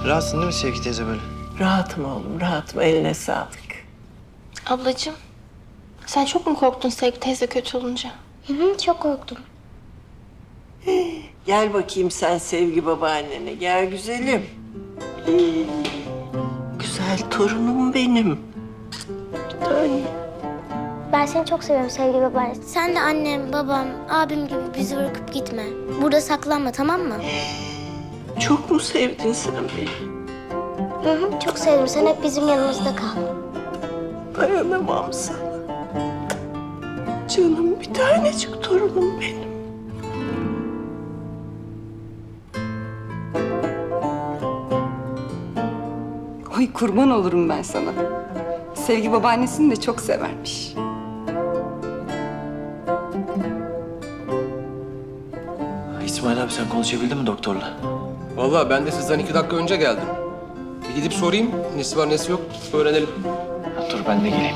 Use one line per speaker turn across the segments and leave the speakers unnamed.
Rahatsın değil mi Sevgi teyze böyle?
Rahatım oğlum, rahatım. Eline sağlık.
Ablacığım, sen çok mu korktun Sevgi teyze kötü olunca?
Çok korktum.
Gel bakayım sen Sevgi babaannene. Gel güzelim. Güzel torunum benim. Bir tane.
Ben seni çok seviyorum sevgili babaanne. Sen de annem, babam, abim gibi bizi bırakıp gitme. Burada saklanma, tamam mı?
Çok mu sevdin sen beni?
Çok sevdim. Sen hep bizim yanımızda kal.
Dayanamam sana. Canım bir tanecik torunum benim.
Ay kurban olurum ben sana. Sevgi babaannesini de çok severmiş.
İsmail abi sen konuşabildin mi doktorla?
Vallahi ben de sizden 2 dakika önce geldim. Bir gidip sorayım, nesi var nesi yok öğrenelim.
Dur ben de geleyim.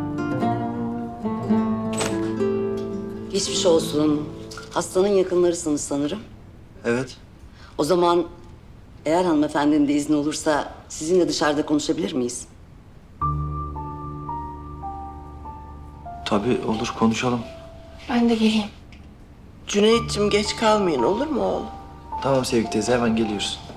Geçmiş olsun. Hastanın yakınlarısınız sanırım.
Evet.
O zaman eğer hanımefendinin de izni olursa sizinle dışarıda konuşabilir miyiz?
Tabii olur konuşalım.
Ben de geleyim.
Cüneyt'ciğim geç kalmayın olur mu oğlum?
Tamam Sevgi teyze hemen geliyoruz.